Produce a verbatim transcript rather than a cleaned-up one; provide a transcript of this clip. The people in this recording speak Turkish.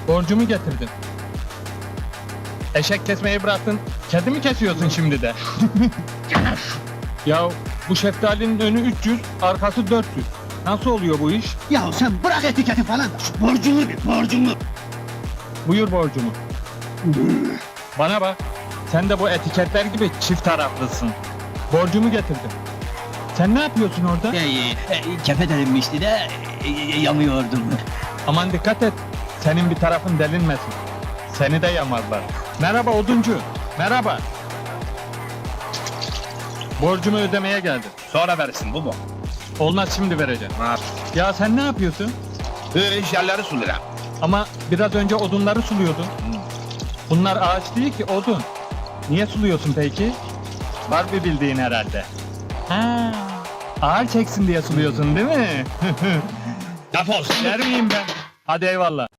Borcumu getirdin. Eşek kesmeyi bıraktın, kedi mi kesiyorsun şimdi de? Ya bu şeftalinin önü üç yüz, arkası dört yüz. Nasıl oluyor bu iş? Ya sen bırak etiketi falan da şu borcunu bir borcunu. Buyur borcumu. Bana bak, sen de bu etiketler gibi çift taraflısın. Borcumu getirdim. Sen ne yapıyorsun orada? Ee, e, kefe delinmişti de e, e, yamıyordum. Aman dikkat et, senin bir tarafın delinmesin. Seni de yamarlar. Merhaba oduncu, merhaba. Borcumu ödemeye geldim. Sonra verirsin bu mu? Olmaz, şimdi vereceğim. Ha. Ya sen ne yapıyorsun? Ee, iş yerleri suluyorum. Ama biraz önce odunları suluyordun. Bunlar ağaç değil ki, odun. Niye suluyorsun peki? Var bir bildiğin herhalde. Ha, ağır çeksin diye suluyorsun değil mi? Defol. Der miyim ben? Hadi eyvallah.